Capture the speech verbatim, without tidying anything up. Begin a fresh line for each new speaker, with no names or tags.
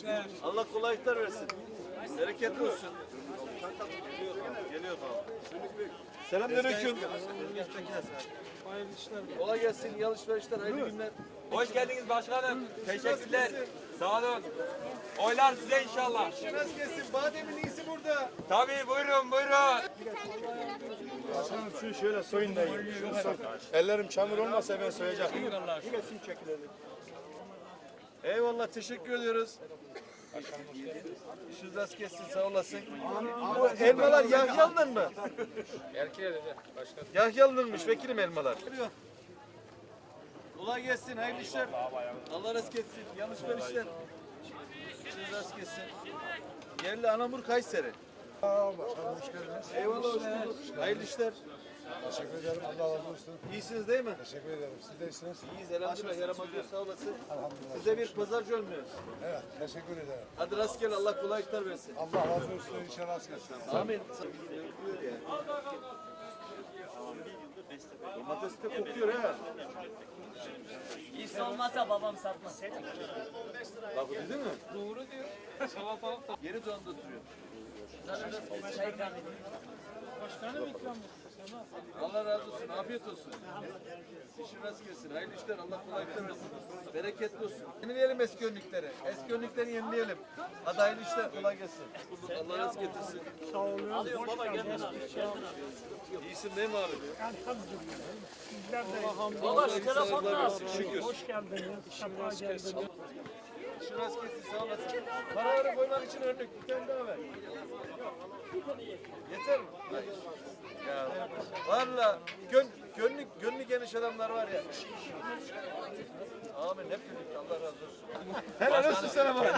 Allah kolaylıklar versin. Bereketli olsun. Geliyor baba. Selamünaleyküm. Kolay gelsin. İyi alışverişler. Hayırlı günler.
Hoş geldiniz başkanım. Teşekkürler. Sağ olun. Oylar size inşallah.
Nasıl gelsin? Bademin iyisi burada.
Tabii buyurun buyurun.
Başkanım şu şöyle soyun da yiyin. Şunu soy. Ellerim çamur olmasa ben soyacaktım.
Eyvallah. Teşekkür ediyoruz. İşiniz rast gelsin. Sağ olasın. Bu elmalar Yahyalı'nın mı? Yahyalı'nınmış vekilim elmalar. Kolay gelsin. Hayırlı işler. Allah rast gelsin. Yanlış verişler. İşiniz rast gelsin. Yerli Anamur Kayseri.
Başkanım hoş geldiniz.
Eyvallah hoş bulduk. Hayırlı işler.
Teşekkür ederim. Allah razı olsun.
İyisiniz değil mi?
Teşekkür ederim. Siz de iyisiniz.
İyiyiz elhamdülillah. Yaramaz yok. Sağ olasın.
Elhamdülillah.
Size bir pazarcı olmuyor.
Evet. Teşekkür ederim.
Hadi rastgele Allah kolaylıklar versin.
Allah razı olsun. İnşallah rast gelsin.
Amin. Domates de kokuyor ha.
İyisi olmazsa babam satmaz.
Bak dedi mi? Doğru diyor. Salatalık da yeri donda duruyor.
Çay ikram edeyim.
Allah razı olsun. Afiyet olsun. İşin rast gelsin. Hayırlı işler. Allah kolaylıklar versin. Bereketli olsun. Yenileyelim eski önlükleri. Eski önlükleri yenileyelim. Hadi hayırlı işler. Kolay gelsin. Allah razı getirsin. Sağ olun. Alıyorum baba. Geldin abi. İyisin değil mi abi?
Baba şu telefonla
Şükür.
hoş geldiniz. Sefa geldiniz.
İşin rast gelsin. Sağ olasın. Paraları koymak için önlük. Bir tane daha ver. Yeter mi? Hayır. Ya valla gön, gönlü, gönlü geniş adamlar var ya. Amin hep birlikte Allah razı olsun. Helal olsun sana bak.